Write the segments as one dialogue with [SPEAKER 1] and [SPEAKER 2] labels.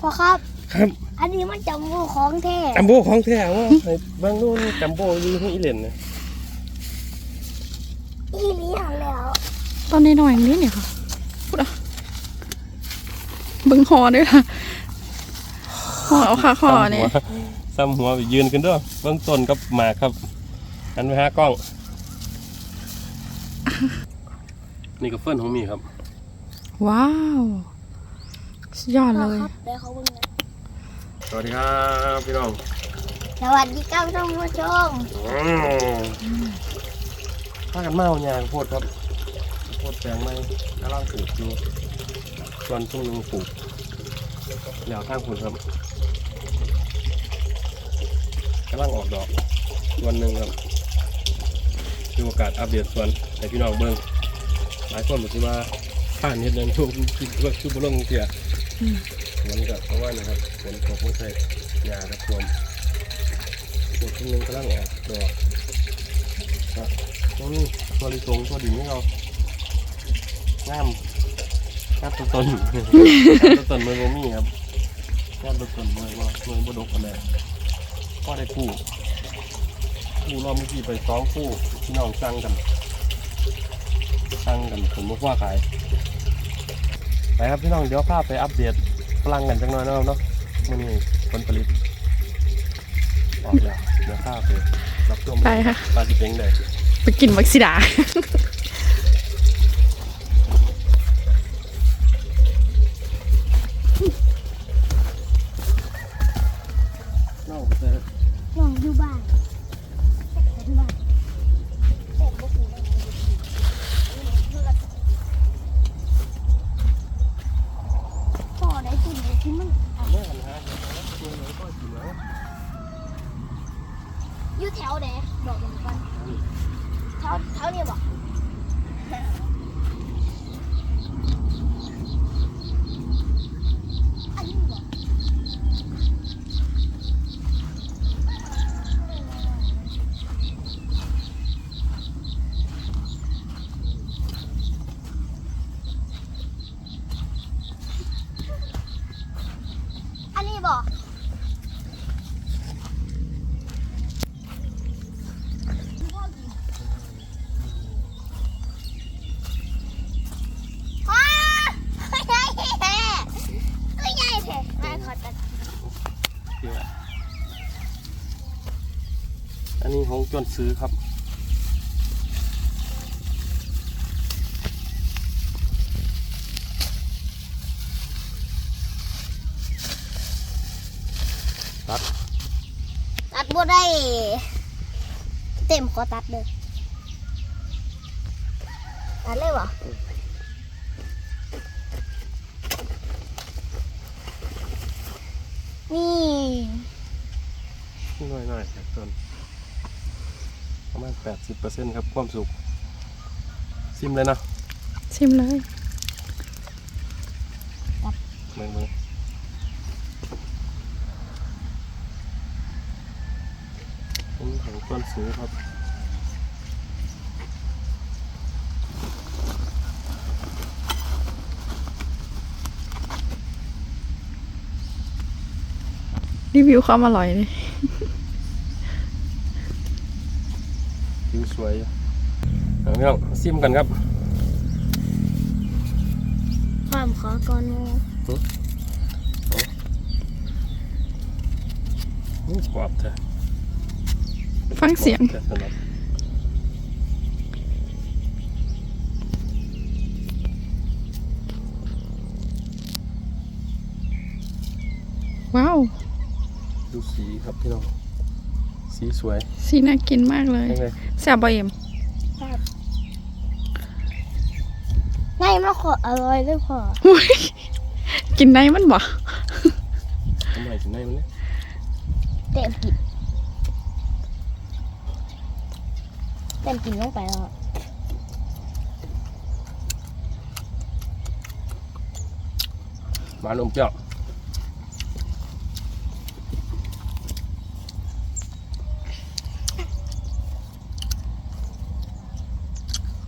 [SPEAKER 1] พ่อครับ
[SPEAKER 2] ครับ
[SPEAKER 1] อันนี้มันจัมโบ้ของแท้
[SPEAKER 2] จัมโบ้ของแท้ว่าบางนู่นจัมโบ้ยืนให้อีเหล่นนะ
[SPEAKER 1] อีเลี้ยงแล้ว
[SPEAKER 3] ตอนนี้หน่อยนี้เนี่ยค่ะพูดอ่ะเบิ้งคอด้วยค่ะคอเอาค่ะคอเนี่ย
[SPEAKER 2] ซ้ำหัวไปยืนกันด้วยเบื้องต้นกับหมากครับอันไปหากล้องนี่ก็เฟิร์นของมีครับ
[SPEAKER 3] ว้าวสุดยอดเลย
[SPEAKER 1] เดี๋ยวเขาเบิ่งนะ
[SPEAKER 2] สวัสดีครับพี่น้อง
[SPEAKER 1] สวัสดีครับท่านผู้ชม
[SPEAKER 2] พากันเมาหยางโพดครับโพดแปลงไม้กำลังปลูกอยู่ส่วนช่วงนึงปลูกแล้วข้างคุณครับกำลังออกดอกวันหนึ่งครับมีโอกาสอัปเดตส่วนให้พี่น้องเบิ้งหลายคนบอกว่าผ่านเห็ดนั้นช่วงชุบลงเสียเหมือนกับเพราะว่านะครับฝนตกไม่ใช่หญ้าครับท่วมปลูกช่วงนึงกำลังออกดอกตัวนี้ตัวลิสงตัวดิ่งนี่เรางามตัวต้นตัวต้นเมืองโมมี่ครับงามตัวต้นเมืองบดกอะไรก็ได้คู่รอบเมื่อกี้ไป2 คู่พี่น้องสั่งกันผมบอกว่าขายไปครับพี่น้องเดี๋ยวข้าไปอัปเดตพลังกันจังหน่อยนะครับเนาะมันมีผลผลิตออกแล้วเดี๋ยวข้าไปรับชม
[SPEAKER 3] ไปค่ะ
[SPEAKER 2] ปลาจิเป้งเลย
[SPEAKER 3] ไปกินวักซิดา
[SPEAKER 2] น้องเจอ
[SPEAKER 1] ลองอยู่บ้านพ่อได้กินที่มัน
[SPEAKER 2] แม่กันฮะตัวไหนก็กินแล้ว
[SPEAKER 1] อยู่แถวไหนบอกกันก่อนแถวนี้บอกอันนี้บอก อันนี้บอกว้าใหญ่แท้ก็ใหญ่แท้มาขอตัด
[SPEAKER 2] อันนี้ของจวนซื้อครับ
[SPEAKER 1] ตัดบ่ได้เต็มขอตัดเลยตัดเลยวะนี่
[SPEAKER 2] น้อยครับต้นประมาณ 80% ครับความสุขซิมเลยนะ
[SPEAKER 3] ชิมเลย
[SPEAKER 2] เมืองของจวนซื้อครับ
[SPEAKER 3] รีวิวความอร่อยเลย
[SPEAKER 2] ผิวสวยเอาพี่น้องซิมกันครับ
[SPEAKER 1] ความขอก่อนงู
[SPEAKER 2] กรอบแท้
[SPEAKER 3] ฟังเสียง
[SPEAKER 2] แท้สำหรับ
[SPEAKER 3] ว้าว
[SPEAKER 2] ดูสีครับพี่น้องสีสวย
[SPEAKER 3] สีน่ากินมากเลย
[SPEAKER 2] ยังไง
[SPEAKER 3] แซ่บบ่เอ็ม
[SPEAKER 1] ง่ายมากขออร่อยด้วยพอ
[SPEAKER 3] อุ๊ยกินได้มันบ่
[SPEAKER 2] ทำไมถึงได้มันเนี่ย
[SPEAKER 1] เต็มกินลงไปแล้ว
[SPEAKER 2] หวานอมเปรี้ยว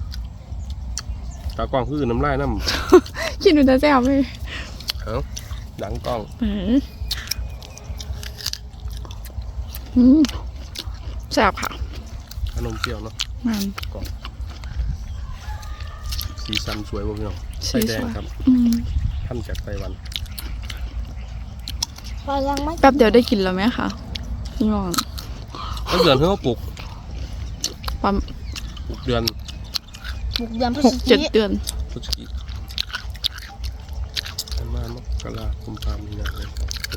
[SPEAKER 2] ตากล้องคือน้ำลายน้ำ
[SPEAKER 3] คิดดูจะแซ่บเลย
[SPEAKER 2] เอาหลังกล้อง
[SPEAKER 3] แซ่บค่ะ
[SPEAKER 2] ขนมเปรี้ยวเนาะ
[SPEAKER 3] มัน
[SPEAKER 2] กล่องสีสันสวยมากพี่น้องไส้แดงครับทำจากไต้หวัน
[SPEAKER 1] พอยังไม่
[SPEAKER 3] แป๊บเดียวได้กินแล้วไหมคะพี่น้อง
[SPEAKER 2] ก็เดือนเพิ่งปลูก
[SPEAKER 3] ประมาณ
[SPEAKER 2] เดือน
[SPEAKER 1] บุกเดือนพฤศจิ
[SPEAKER 3] 6-7 เดือน
[SPEAKER 2] พฤศจิกประมาณมกราคมพามีนาเลย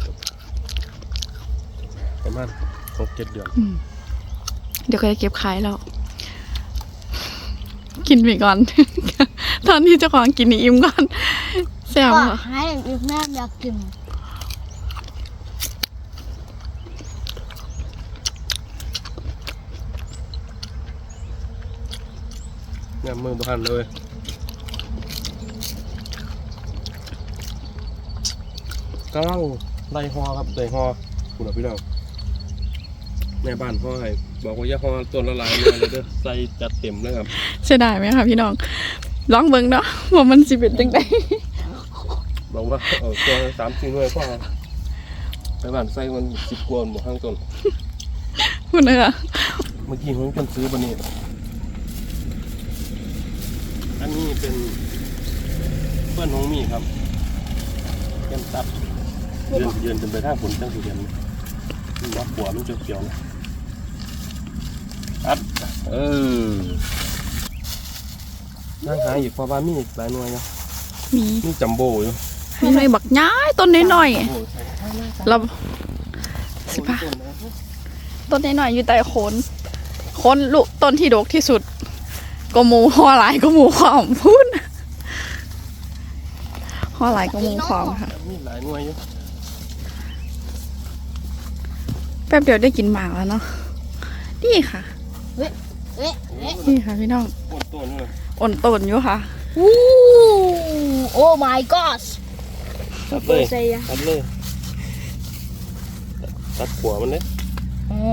[SPEAKER 2] ประมาณ6-7 เดือน
[SPEAKER 3] เดี๋ยวก็จะเก็บขายแล้ว กินไปก่อน ตอนที่เจ้าของกินนี่อิ่มก่อนแซ่บ
[SPEAKER 1] ก็
[SPEAKER 3] ค่ะ
[SPEAKER 1] ให้อีกแม่อยากกิน
[SPEAKER 2] เนี่ยมือบ้านเลยกำลังไล่ฮอครับไล่ฮอคุณพี่น้องแม่บ้านพ่อให้บอกว่าอย่าฮอต้นละลายเลยเด้อใส่จัดเต็มเลยครับ
[SPEAKER 3] เสียดายไหมคะพี่น้องลองเบิ่งเนาะว่ามันสิเป็นจังได
[SPEAKER 2] บอกว่าตัว3-4 หน่วยพ่อไปบ้านใส่มัน10 กว่าหมดข้างต้น
[SPEAKER 3] คุณนะคะ
[SPEAKER 2] เมื่อกี้ผมกันซื้อบันนี้อันนี้เป็นเพื่อนน้องมีครับแก้มตับยืนจนไปทางฝนตั้งสี่เดือนมันว่าหัวมันเขียวๆนะครับนั่งหาอีกพอบ้านมีอีกหลายหน่วยนะ
[SPEAKER 3] มี
[SPEAKER 2] มีจัมโบ้อยู่
[SPEAKER 3] มีหน่อยบักย้ายต้นน้อยๆเราสิป่ะต้นน้อยๆอยู่ใต้โคนลูกต้นที่ดกที่สุดก็หมูห่อหลายก็หมูความพูดห่อหลายก็หมูความค่ะ
[SPEAKER 2] มีหลายหน่วยอยู่
[SPEAKER 3] แป๊บเดียวได้กินหมากแล้วเนาะนี่ค่ะ
[SPEAKER 1] เอ๊ะ
[SPEAKER 3] นี่ค่ะพี่น้อง
[SPEAKER 2] ปวดตัวนี่เลย
[SPEAKER 3] อ่อนต้นอยู่ค่ะ
[SPEAKER 1] อู้โอ้ my god
[SPEAKER 2] ตัดเลยตัดเลยตัดหัวมันเลย
[SPEAKER 1] โอ้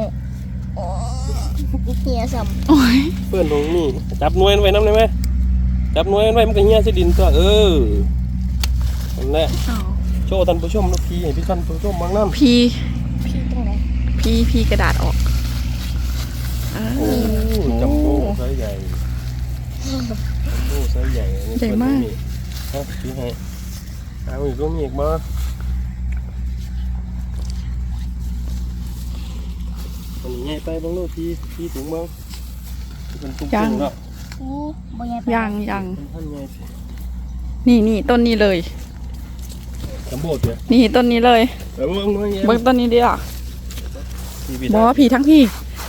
[SPEAKER 1] เฮียสัม
[SPEAKER 3] โอ้ย
[SPEAKER 2] เพื่อนตรงนี้จับหน่วยไว้น้ำได้ไหมจับหน่วยไว้มันก็เหี้ยใส่ดินตัวนั่นแหละ
[SPEAKER 3] อ้าว
[SPEAKER 2] โชว์ท่านผู้ชมลูกพี่ให้พี่ท่านผู้ชมบางน้ำ
[SPEAKER 3] พี
[SPEAKER 1] พี่ตรงไหน
[SPEAKER 3] พีกระดาษออก
[SPEAKER 2] โอ้จัมโบ้ไซส์ใหญ่จัมโบ้ไซส์ใหญ่อันนี้
[SPEAKER 3] ใหญ่มาก
[SPEAKER 2] ฮะพี่ให้เอาอีกก็มีอีกบ่อันนี้ใหญ่ไปบ้างลูกพี่ถุงบ้างเป็นตุ้งๆแล้ว
[SPEAKER 1] อู้บ่ยัง
[SPEAKER 3] ยัง
[SPEAKER 2] เป็นท่านใหญ่
[SPEAKER 3] นี่ต้นนี้เลย
[SPEAKER 2] จัมโบ้เถอะ
[SPEAKER 3] นี่ต้นนี้เลย
[SPEAKER 2] เบิ่งหน่อย
[SPEAKER 3] เบิ่งต้นนี้ดิอ่ะ
[SPEAKER 2] พี่
[SPEAKER 3] บอกว่าผีทั้งพี่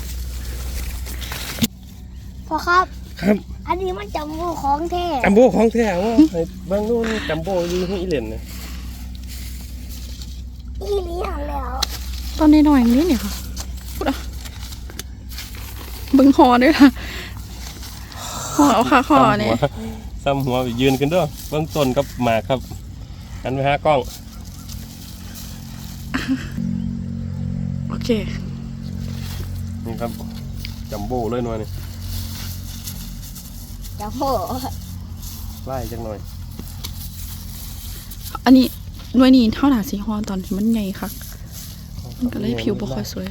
[SPEAKER 1] พ่อครับ
[SPEAKER 2] ครับ
[SPEAKER 1] อันนี้มันจำบูของแท้
[SPEAKER 2] จัมโบ้ของแท้ว่าให้บางนู่นจัมโบ้อยู่ที่อีเหลนนะ
[SPEAKER 1] อีเลี้ยงแล้ว
[SPEAKER 3] ต้นน้อยๆอย่างนี้เนี่ยค่ะพูดอ่ะเบิ่งคอด้วยค่ะคอเอาค่ะคอเนี่ย
[SPEAKER 2] ซ้ำหัวยืนกันด้วยเบื้องต้นกับหมากครับหันไปหากล้อง
[SPEAKER 3] โอเค
[SPEAKER 2] นี่ครับจัมโบ้เลยหน่อยนี่
[SPEAKER 1] จำบู
[SPEAKER 2] ไล่จังหน่อย
[SPEAKER 3] อันนี้หน่วยนี้เท่าหนาสีฮอตอนที่มันใหญ่ค่ะมันก็เลยผิวบ่ค่อยสวย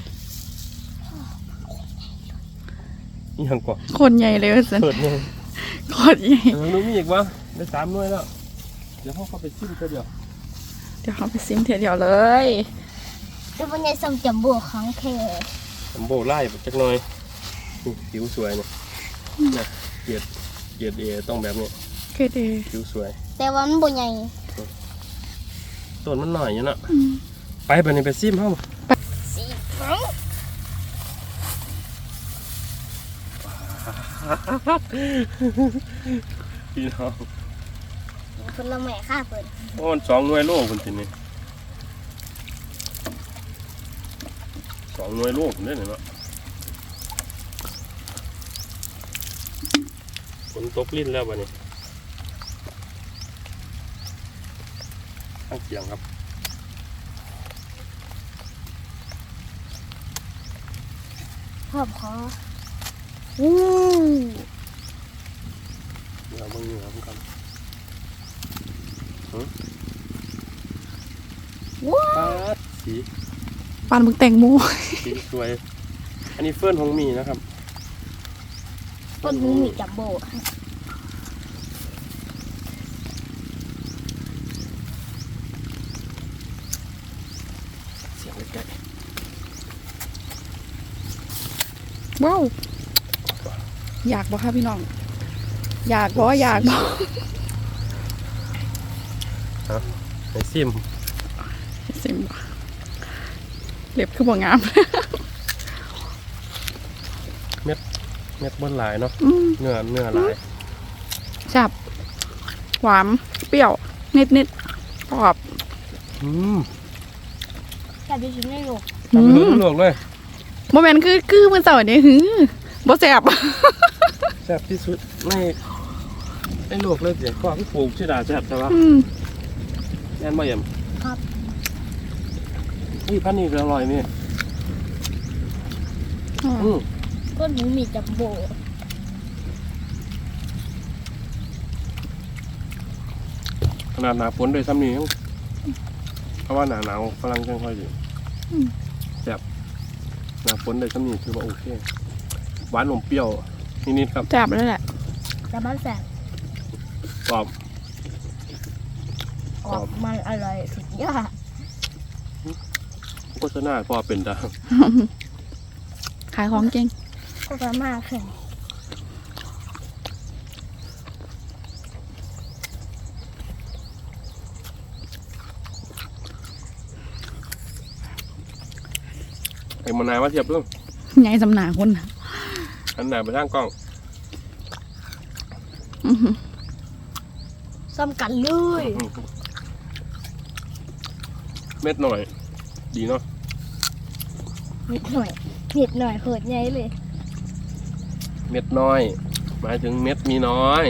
[SPEAKER 2] นี่หังกว่า
[SPEAKER 3] คนใหญ่เลยว่าสัน
[SPEAKER 2] เปิดเลย
[SPEAKER 3] คนใหญ่
[SPEAKER 2] นู้มีอีกวะได้3 หน่วยแล้วเดี๋ยวเขาเข้าไปชิมกันเดี๋ยว
[SPEAKER 3] เดี๋ยวเขาไปซิมเทียวเลย
[SPEAKER 1] จะเป็นไงสัมจำบูของแท้
[SPEAKER 2] จัมโบ้ไล่จักหน่อยนี่ผิวสวยเนี่ยนะเกียดเอต้องแบบนี้
[SPEAKER 3] เคเด
[SPEAKER 2] ผิวสวย
[SPEAKER 1] แต่ว่ามันบ่ใหญ่
[SPEAKER 2] ต้นมันหน่อยอยู่นะไปแบบนี้ไปซิมเข้า
[SPEAKER 1] สีของ
[SPEAKER 2] พี่น้อง
[SPEAKER 1] คนละแม่ค่าเพิ่น
[SPEAKER 2] โอ้มัน2 หน่วยโลคนทีนี้2 หน่วยโลคนนี้เนาะฝนตกลิ้นแล้วบัดนี้ข้างเคียงครับ
[SPEAKER 1] พ่อขออู้
[SPEAKER 2] เราเบิ่งเหนือผมกันสี
[SPEAKER 3] ปานมึงแตงโม
[SPEAKER 2] สีสวยอันนี้เฟิร์นของมีนะครับ
[SPEAKER 1] ต้นหมูมีจัมโบ้
[SPEAKER 2] เสียงใกล้
[SPEAKER 3] ว้าวอยากบ่คะพี่น้องอยากบ่
[SPEAKER 2] ๆในซิม
[SPEAKER 3] สิมเล็บคือบ่งาม
[SPEAKER 2] เม็ดบนหลายเนาะ
[SPEAKER 3] อืม
[SPEAKER 2] เนื้อหลาย
[SPEAKER 3] จับหวานเปรี้ยวนิดกรอบ
[SPEAKER 1] แต่ดิฉันไม่รู้
[SPEAKER 2] ทำให้ลวกเลย
[SPEAKER 3] โมเมนต์คือมันเสาร์นี้บ่แซ่บ
[SPEAKER 2] แซ่บที่สุดในโลกเลยเสียก็คือปลูกชื่อดาแซ่บใช่ปะ แน่นบ่เยี่ยม
[SPEAKER 1] ครับ
[SPEAKER 2] อุ้ยพันนี่ก็อร่อยนี่
[SPEAKER 1] ต้นหมูมีจัมโบ้
[SPEAKER 2] ขนาดหนาฝนด้วยซ้ำนี่ยังเพราะว่าหนาหนาวกำลังค่อยๆอยู่แซ่บหนาฝนด้วยซ้ำนี่คือว่าโอเคหวานอมเปรี้ยวนิดๆครับ
[SPEAKER 3] แซ่บเลยแหละ
[SPEAKER 1] แต่มันแสบ
[SPEAKER 2] กรอบ
[SPEAKER 1] ออกมันอร่อยสุดยอด
[SPEAKER 2] โฆษณาพอเป็นตา
[SPEAKER 3] ขายของเก่ง
[SPEAKER 1] ก็ประมาณแค่
[SPEAKER 2] ไอ้มานายว่าเทียบเรื่อง
[SPEAKER 3] ไงสำนาคนน่ะ
[SPEAKER 2] อันไหนไปทางกล้อง
[SPEAKER 3] อื้อหือ
[SPEAKER 1] ซ้ำกันเลย
[SPEAKER 2] เม็ดหน่อย ดีเนาะ
[SPEAKER 1] นิดหน่อยโหดใหญ่เลย
[SPEAKER 2] เม็ดน้อย หมายถึงเม็ดมีน้อย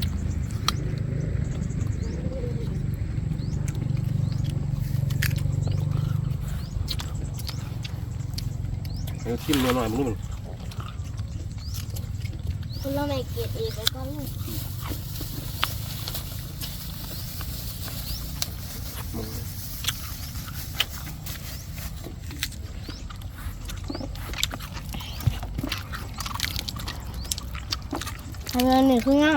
[SPEAKER 2] เดี๋ยวทิ่มหน่อยๆมันนู่น
[SPEAKER 1] คุณเราไม่เกลียดอีกแล้วก็ลูกทำงานหนึ่งคืองาม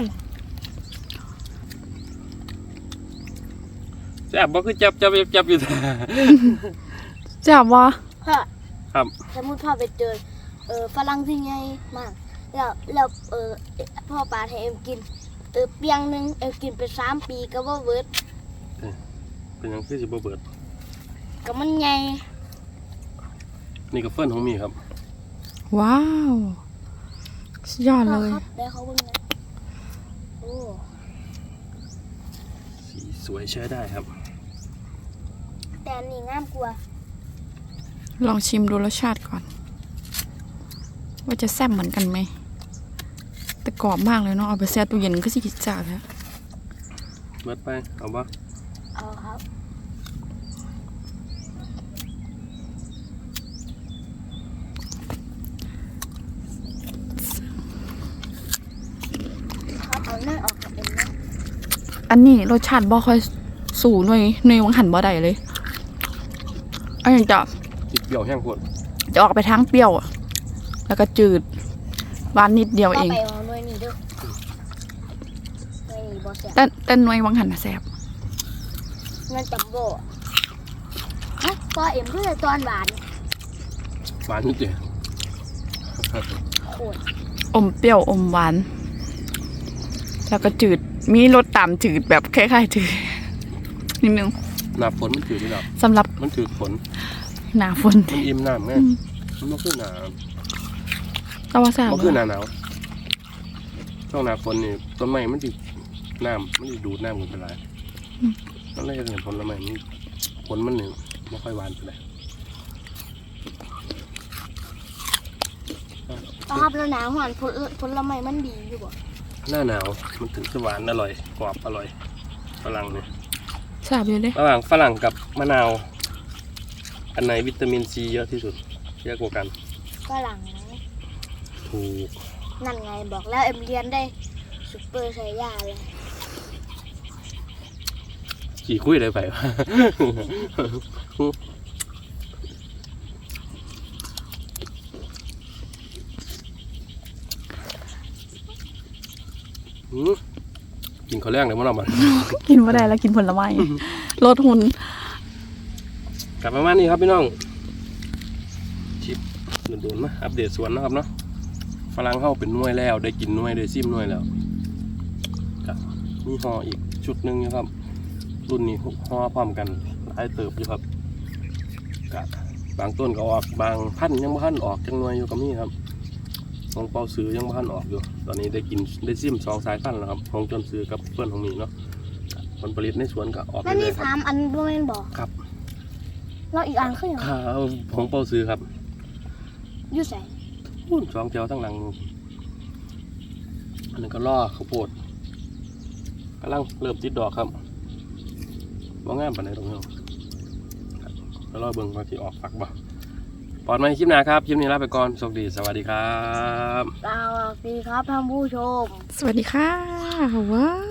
[SPEAKER 2] แซ่บบ่คือจับอยู่แต่
[SPEAKER 3] แซ่บวะ
[SPEAKER 1] พ่อ
[SPEAKER 2] ครับ
[SPEAKER 1] สมมติพ่อไปเจอฝรั่งที่ใหญ่มากแล้วพ่อปาให้เอ็มกินเปียงหนึงเอ็มกินไป3 ปีก็บ่เบิด
[SPEAKER 2] เป็นหยังคือสิบ่เบิด
[SPEAKER 1] ก็มันใหญ่
[SPEAKER 2] นี่ก็เฟิร์นของมีครับ
[SPEAKER 3] ว้าวสุดยอด
[SPEAKER 1] พ่
[SPEAKER 3] เล
[SPEAKER 1] อย ครับได้เขาเบิ่งนะโอ้
[SPEAKER 2] สีสวยใช้ได้ครับ
[SPEAKER 1] แต่อันนี่งามกว่า
[SPEAKER 3] ลองชิมดูรสชาติก่อน ว่าจะแซ่บเหมือนกันไหมแต่กรอบมากเลยเนาะเอาไปแช่ตู้เย็นก็สิกินจ่าแล้ว
[SPEAKER 2] เบิดไป เอาบ่
[SPEAKER 1] เอาครับครับเอาหน้าออกกับเอ็มนะ
[SPEAKER 3] อันนี้รสชาติบ่ค่อยสูหน่วยวังหันบ่ได้เลยอันนี้จะ
[SPEAKER 2] จิบเปรี้ยวแห้งโคตร
[SPEAKER 3] ออกไปทางเปรี้ยวอะแล้วก็จืดหวานนิดเดียว
[SPEAKER 1] ก็
[SPEAKER 3] เอง
[SPEAKER 1] ไปเอาหน่วยนี้เด้อหน่วยนี้บ่แซ่บ
[SPEAKER 3] แต่หน่วยวังหันน่ะแซ่บ
[SPEAKER 1] เงินจัมโบ้ฮะพอเอ็มเพื่อตอนหวาน
[SPEAKER 2] หวานนิดเดียว
[SPEAKER 1] โคตร
[SPEAKER 3] อมเปรี้ยวอมหวาน แล้วก็จืดมีรสตามจืดแบบคล้ายๆจืดนิดนึง
[SPEAKER 2] หน้าฝนมันถือไม่หรอก
[SPEAKER 3] สำหรับ
[SPEAKER 2] มันถือฝน
[SPEAKER 3] หน้าฝน
[SPEAKER 2] มันอิ่มน้ำไงมันก็คือหนา
[SPEAKER 3] แต่ว่าแซ่บ
[SPEAKER 2] ก็คือหนาหนาวช่วงหนาฝนนี่ต้นไม้มันดิน้ำมันดิดูดน้ำกันไปหลายนั่นเลยจะเห็นผลไม้มันผลมันหนึ่งไม่ค่อยหวานเท่าไหร่
[SPEAKER 1] ครับแล้วหนาวหวานผลไม้มันดีอยู่บ่
[SPEAKER 2] หน้าหนาวมันถึงจะหวานอร่อยกรอบอร่อยฝรั่งเนี่ย
[SPEAKER 3] แซ่บอยู่เด้
[SPEAKER 2] ระหว่างฝรั่งกับมะนาว อันไหนวิตามินซีเยอะที่สุดเยอะกว่ากัน
[SPEAKER 1] ฝรั่งนะ
[SPEAKER 2] ถูก
[SPEAKER 1] นั่นไงบอกแล้วเอ็มเรียนได้ซุปเปอร์ไซย่าเลย
[SPEAKER 2] ขี่คุยอะไรไปวะกินข้าวแรงเลยมั้งเราบ้าน
[SPEAKER 3] กินบ่ได้แล้วกินผลไม้ลดหุ่น
[SPEAKER 2] กลับประมาณนี้ครับพี่น้องชิปโดนๆมาอัปเดตสวนนะครับเนาะฝรั่งเข้าเป็นหน่วยแล้วได้กินหน่วยได้ซิมหน่วยแล้วครับมีห่ออีกชุดหนึ่งนะครับรุ่นนี้ห่อพร้อมกันหลายเติบอยู่ครับกับบางต้นก็ออกบางพันธุ์ยังบ่ทันออกจังหน่วยอยู่กับนี่ครับของเปาซื้อยังบ่ทันออกอยู่ตอนนี้ได้กินได้ซิม2 สายพันธุ์แล้วครับของจนซื้อกับเพื่อนของมีเนาะผลผลิตในสวนก็ออก
[SPEAKER 1] แล้ว
[SPEAKER 2] เรื่
[SPEAKER 1] นี่
[SPEAKER 2] อยๆครับ
[SPEAKER 1] 3 อันบ่แม่นบ่
[SPEAKER 2] ครับ
[SPEAKER 1] แล้วอีกอันคือหยัง
[SPEAKER 2] ของเปาซื้อครับ
[SPEAKER 1] อยู่ไส
[SPEAKER 2] 2 แถวทั้งหลังอันนี้ก็ล่อข้าวโพดกำลังเริ่มติดดอกครับว่างามปานไหนตรงนี้ครับแล้วรอเบิ่งว่าที่ออกฝักบ่ปลอดไหมคลิปหน้าครับคลิปนี้ลาไปก่อนสวัสดีสวัสดีครับ
[SPEAKER 1] สวัสดีครับท่านผู้ชม
[SPEAKER 3] สวัสดีค่ะว้าว